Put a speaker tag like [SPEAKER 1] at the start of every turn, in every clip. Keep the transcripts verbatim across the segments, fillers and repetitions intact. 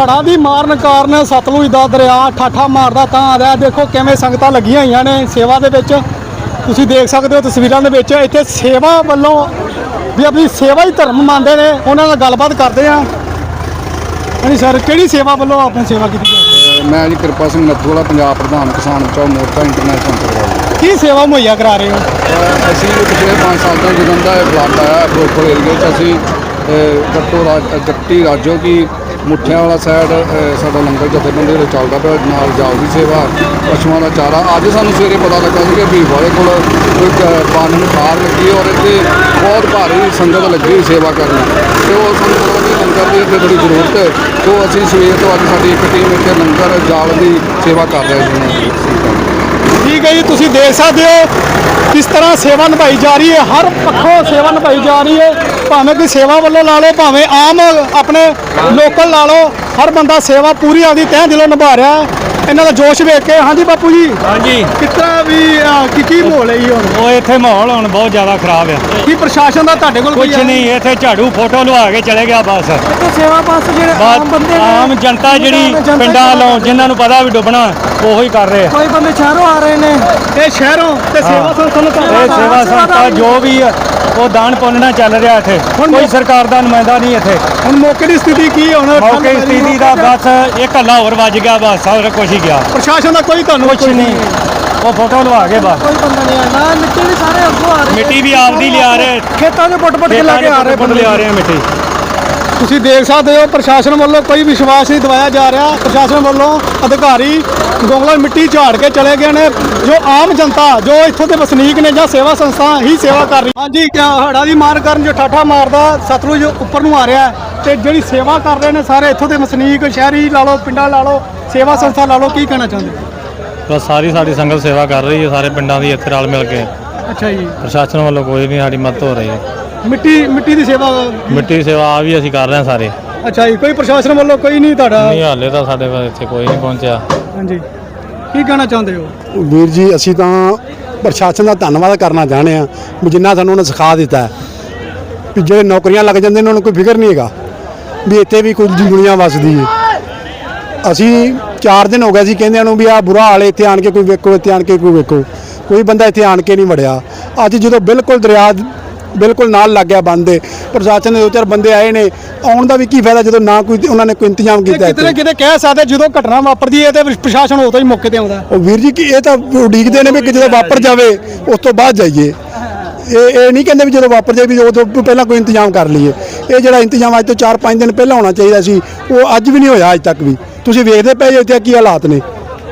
[SPEAKER 1] ਹੜ੍ਹਾਂ ਦੀ ਮਾਰਨ ਕਾਰਨ ਸਤਲੁਜ ਦਾ ਦਰਿਆ ਠਾਠਾ ਮਾਰਦਾ ਤਾਂ ਆ ਰਿਹਾ। ਦੇਖੋ ਕਿਵੇਂ ਸੰਗਤਾਂ ਲੱਗੀਆਂ ਹੋਈਆਂ ਨੇ ਸੇਵਾ ਦੇ ਵਿੱਚ, ਤੁਸੀਂ ਦੇਖ ਸਕਦੇ ਹੋ ਤਸਵੀਰਾਂ ਦੇ ਵਿੱਚ। ਇੱਥੇ ਸੇਵਾ ਵੱਲੋਂ ਵੀ ਆਪਣੀ ਸੇਵਾ ਹੀ ਧਰਮ ਮੰਨਦੇ ਨੇ, ਉਹਨਾਂ ਨਾਲ ਗੱਲਬਾਤ ਕਰਦੇ ਆ। ਹਾਂਜੀ ਸਰ, ਕਿਹੜੀ ਸੇਵਾ ਵੱਲੋਂ ਆਪਣੀ ਸੇਵਾ ਕੀਤੀ ਜਾਂਦੀ ਹੈ?
[SPEAKER 2] ਮੈਂ ਜੀ ਕਿਰਪਾ ਸਿੰਘ ਨੱਥੂ ਵਾਲਾ, ਪੰਜਾਬ ਪ੍ਰਧਾਨ ਕਿਸਾਨ ਬਚਾਓ ਮੋਰਚਾ ਇੰਟਰਨੈਸ਼ਨਲ ਸਰਕਾਰ।
[SPEAKER 1] ਕੀ ਸੇਵਾ ਮੁਹੱਈਆ ਕਰਾ ਰਹੇ ਹੋ?
[SPEAKER 2] ਅਸੀਂ ਪਿਛਲੇ ਪੰਜ ਸਾਲ ਤੋਂ ਜਦੋਂ ਦਾ ਇਹ ਫਲੱਡ ਆਇਆ ਫਿਰੋਜ਼ਪੁਰ ਏਰੀਏ 'ਚ, ਅਸੀਂ ਗੱਟੋ ਰਾਜ ਗੱਟੀ ਰਾਜੋ ਕੀ ਮੁੱਠਿਆਂ ਵਾਲਾ ਸਾਈਡ ਸਾਡਾ ਲੰਗਰ ਜਥੇਬੰਦੀ ਵੱਲੋਂ ਚੱਲਦਾ ਪਿਆ, ਨਾਲ ਜਾਓ ਦੀ ਸੇਵਾ, ਪਸ਼ੂਆਂ ਦਾ ਚਾਰਾ। ਅੱਜ ਸਾਨੂੰ ਸਵੇਰੇ ਪਤਾ ਲੱਗਾ ਸੀ ਕਿ ਵੀਰ ਵਾਲੇ ਕੋਲ ਕੋਈ ਪਾਣੀ ਨੂੰ ਖਾਰ ਲੱਗੀ ਔਰ ਇੱਥੇ ਬਹੁਤ ਭਾਰੀ ਸੰਗਤ ਲੱਗੀ ਸੇਵਾ ਕਰਨ, ਅਤੇ ਉਹ ਸਾਨੂੰ ਪਤਾ ਕਿ ਲੰਗਰ ਦੀ ਇੱਥੇ ਬੜੀ ਜ਼ਰੂਰਤ ਹੈ। ਤੋਂ ਅਸੀਂ ਸਵੇਰ ਤੋਂ ਅੱਜ ਸਾਡੀ ਇੱਕ ਟੀਮ ਇੱਥੇ ਲੰਗਰ ਜਾਲ ਦੀ ਸੇਵਾ ਕਰ ਰਹੇ ਸੀ।
[SPEAKER 1] ਠੀਕ ਹੈ ਜੀ, ਤੁਸੀਂ ਦੇਖ ਸਕਦੇ ਹੋ ਕਿਸ ਤਰ੍ਹਾਂ ਸੇਵਾ ਨਿਭਾਈ ਜਾ ਰਹੀ ਹੈ। ਹਰ ਪੱਖੋਂ ਸੇਵਾ ਨਿਭਾਈ ਜਾ ਰਹੀ ਹੈ, ਭਾਵੇਂ ਕੋਈ ਸੇਵਾ ਵੱਲੋਂ ਲਾ ਲਓ, ਭਾਵੇਂ ਆਮ ਆਪਣੇ ਲੋਕਲ ਲਾ ਲਓ, ਹਰ ਬੰਦਾ ਸੇਵਾ ਪੂਰੀ ਆਦੀ ਤਹਿ ਦਿਲੋਂ ਨਿਭਾ ਰਿਹਾ ਹੈ। ਇਹਨਾਂ ਦਾ ਜੋਸ਼ ਵੇਖ ਕੇ। ਹਾਂਜੀ ਬਾਪੂ ਜੀ,
[SPEAKER 3] ਹਾਂਜੀ,
[SPEAKER 1] ਕਿਤਨਾ ਵੀ ਕੀ ਕੀ ਮਾਹੌਲ ਹੈ ਜੀ ਹੁਣ?
[SPEAKER 3] ਉਹ ਇੱਥੇ ਮਾਹੌਲ ਹੁਣ ਬਹੁਤ ਜ਼ਿਆਦਾ ਖਰਾਬ ਆ।
[SPEAKER 1] ਕੀ ਪ੍ਰਸ਼ਾਸਨ ਦਾ ਤੁਹਾਡੇ ਕੋਲ
[SPEAKER 3] ਕੁਝ ਨਹੀਂ, ਇੱਥੇ ਝਾੜੂ ਫੋਟੋ ਲਵਾ ਕੇ ਚਲੇ ਗਿਆ ਬਸ।
[SPEAKER 1] ਸੇਵਾ ਬਸ ਜਿਹੜੇ ਆਮ ਬੰਦੇ
[SPEAKER 3] ਆਮ ਜਨਤਾ ਜਿਹੜੀ ਪਿੰਡਾਂ ਵੱਲੋਂ ਜਿਨ੍ਹਾਂ ਨੂੰ ਪਤਾ ਵੀ ਡੁੱਬਣਾ ਉਹੋ ਹੀ ਕਰ ਰਹੇ ਆ।
[SPEAKER 1] ਕੋਈ ਬੰਦੇ ਸ਼ਹਿਰੋਂ ਆ ਰਹੇ ਨੇ, ਇਹ ਸ਼ਹਿਰੋਂ ਤੇ ਸੇਵਾ ਸੰਸਥਾ ਨੂੰ
[SPEAKER 3] ਇਹ ਸੇਵਾ ਸੰਸਥਾ ਜੋ ਵੀ ਆ ਉਹ ਦਾਨ ਪੁੰਨ ਚੱਲ ਰਿਹਾ ਇੱਥੇ। ਕੋਈ ਸਰਕਾਰ ਦਾ ਨੁਮਾਇੰਦਾ ਨਹੀਂ ਇੱਥੇ।
[SPEAKER 1] ਹੁਣ ਮੌਕੇ ਦੀ ਸਥਿਤੀ ਕੀ ਹੁਣ?
[SPEAKER 3] ਮੌਕੇ ਦੀ ਸਥਿਤੀ ਦਾ ਬਸ ਇੱਕ ਹੱਲਾ ਹੋਰ ਵੱਜ ਗਿਆ, ਬਸ ਸਾਰਾ ਕੁਛ ਹੀ ਗਿਆ।
[SPEAKER 1] ਪ੍ਰਸ਼ਾਸਨ ਦਾ ਕੋਈ ਤੁਹਾਨੂੰ
[SPEAKER 3] ਕੁਛ ਨਹੀਂ, ਉਹ ਫੋਟੋ ਲਵਾ ਕੇ ਬਸ।
[SPEAKER 1] ਕੋਈ ਬੰਦਾ ਨਹੀਂ ਆਣਾ। ਮਿੱਟੀ ਵੀ ਸਾਰੇ ਅੱਗੋਂ ਆ ਰਹੇ,
[SPEAKER 3] ਮਿੱਟੀ ਵੀ ਆਪਦੀ ਲਿਆ ਰਹੇ,
[SPEAKER 1] ਖੇਤਾਂ ਦੇ ਪੁੱਟ ਪੁੱਟ ਕੇ ਲੈ ਕੇ ਆ ਰਹੇ,
[SPEAKER 3] ਪੁੱਟ ਲਿਆ ਰਹੇ ਮਿੱਟੀ।
[SPEAKER 1] ਤੁਸੀਂ ਦੇਖ ਸਕਦੇ ਹੋ ਪ੍ਰਸ਼ਾਸਨ ਵੱਲੋਂ ਕੋਈ ਵਿਸ਼ਵਾਸ ਨਹੀਂ ਦਿਵਾਇਆ ਜਾ ਰਿਹਾ। ਪ੍ਰਸ਼ਾਸਨ ਵੱਲੋਂ ਅਧਿਕਾਰੀ ਗੋਂਗਲਾ ਮਿੱਟੀ ਝਾੜ ਕੇ ਚਲੇ ਗਏ ਨੇ। ਜੋ ਆਮ ਜਨਤਾ, ਜੋ ਇੱਥੋਂ ਦੇ ਵਸਨੀਕ ਨੇ ਜਾਂ ਸੇਵਾ ਸੰਸਥਾ ਹੀ ਸੇਵਾ ਕਰ ਰਹੀ। ਹਾਂਜੀ, ਹੜ੍ਹਾਂ ਦੀ ਮਾਰ ਕਾਰਨ ਜੋ ਠਾਠਾ ਮਾਰਦਾ ਸਤਲੁਜ ਉੱਪਰ ਨੂੰ ਆ ਰਿਹਾ, ਤੇ ਜਿਹੜੀ ਸੇਵਾ ਕਰ ਰਹੇ ਨੇ ਸਾਰੇ ਇੱਥੋਂ ਦੇ ਵਸਨੀਕ, ਸ਼ਹਿਰੀ ਲਾ ਲਓ, ਪਿੰਡਾਂ ਲਾ ਲਓ, ਸੇਵਾ ਸੰਸਥਾ ਲਾ ਲਓ, ਕੀ ਕਹਿਣਾ ਚਾਹੁੰਦੇ?
[SPEAKER 3] ਬਸ ਸਾਰੀ ਸਾਡੀ ਸੰਗਤ ਸੇਵਾ ਕਰ ਰਹੀ ਹੈ, ਸਾਰੇ ਪਿੰਡਾਂ ਦੀ ਇੱਥੇ ਰਲ ਮਿਲ ਕੇ।
[SPEAKER 1] ਅੱਛਾ ਜੀ,
[SPEAKER 3] ਪ੍ਰਸ਼ਾਸਨ ਵੱਲੋਂ ਕੋਈ ਨਹੀਂ ਸਾਡੀ ਮਦਦ ਹੋ ਰਹੀ ਹੈ।
[SPEAKER 1] ਮਿੱਟੀ ਮਿੱਟੀ ਦੀ ਸੇਵਾ
[SPEAKER 3] ਮਿੱਟੀ ਦੀ ਸੇਵਾ ਆ ਵੀ ਅਸੀਂ ਕਰ ਰਹੇ ਹਾਂ ਸਾਰੇ।
[SPEAKER 1] ਅੱਛਾ ਜੀ, ਕੋਈ ਪ੍ਰਸ਼ਾਸਨ ਵੱਲੋਂ ਕੋਈ ਨਹੀਂ ਤੁਹਾਡਾ?
[SPEAKER 3] ਨਹੀਂ, ਹਾਲੇ ਤਾਂ ਸਾਡੇ ਕੋਲ ਇੱਥੇ ਕੋਈ ਨਹੀਂ ਪਹੁੰਚਿਆ।
[SPEAKER 1] ਹਾਂਜੀ, ਕੀ ਕਹਿਣਾ ਚਾਹੁੰਦੇ ਹੋ?
[SPEAKER 4] ਵੀਰ ਜੀ, ਅਸੀਂ ਤਾਂ ਪ੍ਰਸ਼ਾਸਨ ਦਾ ਧੰਨਵਾਦ ਕਰਨਾ ਚਾਹੁੰਦੇ ਹਾਂ ਵੀ ਜਿੰਨਾ ਸਾਨੂੰ ਉਹਨੇ ਸਿਖਾ ਦਿੱਤਾ ਹੈ ਵੀ ਜਿਹੜੇ ਨੌਕਰੀਆਂ ਲੱਗ ਜਾਂਦੇ ਨੇ ਉਹਨਾਂ ਨੂੰ ਕੋਈ ਫਿਕਰ ਨਹੀਂ ਹੈਗਾ ਵੀ ਇੱਥੇ ਵੀ ਕੁਝ ਦੁਨੀਆ ਵਸਦੀ ਹੈ। ਅਸੀਂ ਚਾਰ ਦਿਨ ਹੋ ਗਏ ਸੀ ਕਹਿੰਦਿਆਂ ਨੂੰ ਵੀ ਆਹ ਬੁਰਾ ਹਾਲ ਹੈ, ਇੱਥੇ ਆਣ ਕੇ ਕੋਈ ਵੇਖੋ, ਇੱਥੇ ਆਣ ਕੇ ਕੋਈ ਵੇਖੋ। ਕੋਈ ਬੰਦਾ ਇੱਥੇ ਆਣ ਕੇ ਨਹੀਂ ਵੜਿਆ। ਅੱਜ ਜਦੋਂ ਬਿਲਕੁਲ ਦਰਿਆ ਬਿਲਕੁਲ ਨਾਲ ਲੱਗ ਗਿਆ ਬੰਦ ਦੇ, ਪ੍ਰਸ਼ਾਸਨ ਦੇ ਦੋ ਚਾਰ ਬੰਦੇ ਆਏ ਨੇ, ਆਉਣ ਦਾ ਵੀ ਕੀ ਫਾਇਦਾ ਜਦੋਂ ਨਾ ਕੋਈ ਉਹਨਾਂ ਨੇ ਕੋਈ ਇੰਤਜ਼ਾਮ ਕੀਤਾ।
[SPEAKER 1] ਕਿਤੇ ਕਿਤੇ ਕਹਿ ਸਕਦੇ ਜਦੋਂ ਘਟਨਾ ਵਾਪਰਦੀ ਹੈ ਤੇ ਪ੍ਰਸ਼ਾਸਨ ਉਦੋਂ ਹੀ ਮੌਕੇ ਤੇ ਆਉਂਦਾ।
[SPEAKER 4] ਉਹ ਵੀਰ ਜੀ, ਕਿ ਇਹ ਤਾਂ ਉਡੀਕਦੇ ਨੇ ਵੀ ਕਿ ਜਦੋਂ ਵਾਪਰ ਜਾਵੇ ਉਸ ਤੋਂ ਬਾਅਦ ਜਾਈਏ। ਇਹ ਇਹ ਨਹੀਂ ਕਹਿੰਦੇ ਵੀ ਜਦੋਂ ਵਾਪਰ ਜਾਏ ਵੀ ਉਦੋਂ ਪਹਿਲਾਂ ਕੋਈ ਇੰਤਜ਼ਾਮ ਕਰ ਲਈਏ। ਇਹ ਜਿਹੜਾ ਇੰਤਜ਼ਾਮ ਅੱਜ ਤੋਂ ਚਾਰ ਪੰਜ ਦਿਨ ਪਹਿਲਾਂ ਹੋਣਾ ਚਾਹੀਦਾ ਸੀ, ਉਹ ਅੱਜ ਵੀ ਨਹੀਂ ਹੋਇਆ। ਅੱਜ ਤੱਕ ਵੀ ਤੁਸੀਂ ਵੇਖਦੇ ਪਏ ਇੱਥੇ ਕੀ ਹਾਲਾਤ ਨੇ।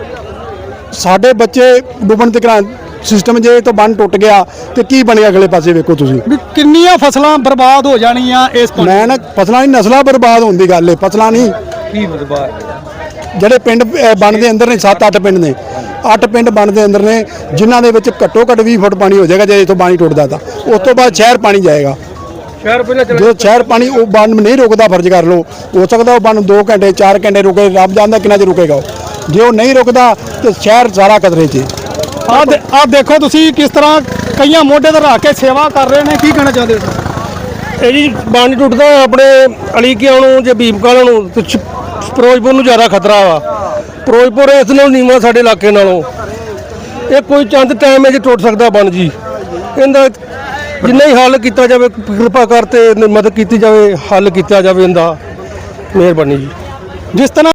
[SPEAKER 4] ਸਾਡੇ ਬੱਚੇ ਡੁੱਬਣ ਤੇ ਕਰਾਂ ਸਿਸਟਮ, ਜੇ ਤੋਂ ਬੰਨ ਟੁੱਟ ਗਿਆ ਤੇ ਕੀ ਬਣਿਆ ਅਗਲੇ ਪਾਸੇ ਵੇਖੋ ਤੁਸੀਂ।
[SPEAKER 1] ਵੀ ਕਿੰਨੀਆਂ ਫਸਲਾਂ ਬਰਬਾਦ ਹੋ ਜਾਣੀਆਂ ਇਸ ਪਾਣੀ।
[SPEAKER 4] ਮੈਂ ਨਾ ਫਸਲਾਂ ਨਹੀਂ, ਨਸਲਾਂ ਬਰਬਾਦ ਹੋਣ ਦੀ ਗੱਲ ਹੈ, ਫਸਲਾਂ ਨਹੀਂ।
[SPEAKER 1] ਕੀ ਬਰਬਾਦ?
[SPEAKER 4] ਜਿਹੜੇ ਪਿੰਡ ਬਣ ਦੇ ਅੰਦਰ ਨੇ, ਸੱਤ ਅੱਠ ਪਿੰਡ ਨੇ, ਅੱਠ ਪਿੰਡ ਬਣ ਦੇ ਅੰਦਰ ਨੇ ਜਿਨ੍ਹਾਂ ਦੇ ਵਿੱਚ ਘੱਟੋ ਘੱਟ ਵੀਹ ਫੁੱਟ ਪਾਣੀ ਹੋ ਜਾਏਗਾ ਜੇ ਇੱਥੋਂ ਪਾਣੀ ਟੁੱਟਦਾ ਤਾਂ। ਉਸ ਤੋਂ ਬਾਅਦ ਸ਼ਹਿਰ ਪਾਣੀ ਜਾਏਗਾ।
[SPEAKER 1] ਸ਼ਹਿਰ ਪਹਿਲਾਂ
[SPEAKER 4] ਜਦੋਂ ਸ਼ਹਿਰ ਪਾਣੀ ਉਹ ਬੰਨ ਨਹੀਂ ਰੁਕਦਾ, ਫਰਜ਼ ਕਰ ਲਓ, ਹੋ ਸਕਦਾ ਉਹ ਬੰਨ ਦੋ ਘੰਟੇ ਚਾਰ ਘੰਟੇ ਰੁਕੇ, ਰੱਬ ਜਾਣਦਾ ਕਿੰਨਾ ਚਿਰ ਰੁਕੇਗਾ ਉਹ। ਜੇ ਉਹ ਨਹੀਂ ਰੁਕਦਾ ਤੇ ਸ਼ਹਿਰ ਸਾਰਾ ਖਤਰੇ 'ਚ।
[SPEAKER 1] ਆਹ ਆਹ ਦੇਖੋ ਤੁਸੀਂ ਕਿਸ ਤਰ੍ਹਾਂ ਕਈਆਂ ਮੋਢੇ ਤੇ ਰੱਖ ਕੇ ਸੇਵਾ ਕਰ ਰਹੇ ਨੇ। ਕੀ ਕਹਿਣਾ ਚਾਹੁੰਦੇ ਹੋ?
[SPEAKER 5] ਇਹ ਜੀ ਬੰਨ ਟੁੱਟਦਾ ਆਪਣੇ ਅਲੀਕਿਆਂ ਨੂੰ ਜੇ ਭੀਮਕਾਲ ਨੂੰ ਤੇ ਫਿਰੋਜ਼ਪੁਰ ਨੂੰ ਜ਼ਿਆਦਾ ਖਤਰਾ ਵਾ। ਫਿਰੋਜ਼ਪੁਰ ਇਸ ਨਾਲੋਂ ਨੀਵਾਂ ਸਾਡੇ ਇਲਾਕੇ ਨਾਲੋਂ। ਇਹ ਕੋਈ ਚੰਦ ਟਾਈਮ 'ਚ ਟੁੱਟ ਸਕਦਾ ਬੰਨ ਜੀ। ਇਹਦਾ ਜਿੰਨਾ ਹੀ ਹੱਲ ਕੀਤਾ ਜਾਵੇ, ਕਿਰਪਾ ਕਰ ਤੇ ਮਦਦ ਕੀਤੀ ਜਾਵੇ, ਹੱਲ ਕੀਤਾ ਜਾਵੇ ਇਹਦਾ। ਮਿਹਰਬਾਨੀ ਜੀ।
[SPEAKER 1] ਜਿਸ ਤਰ੍ਹਾਂ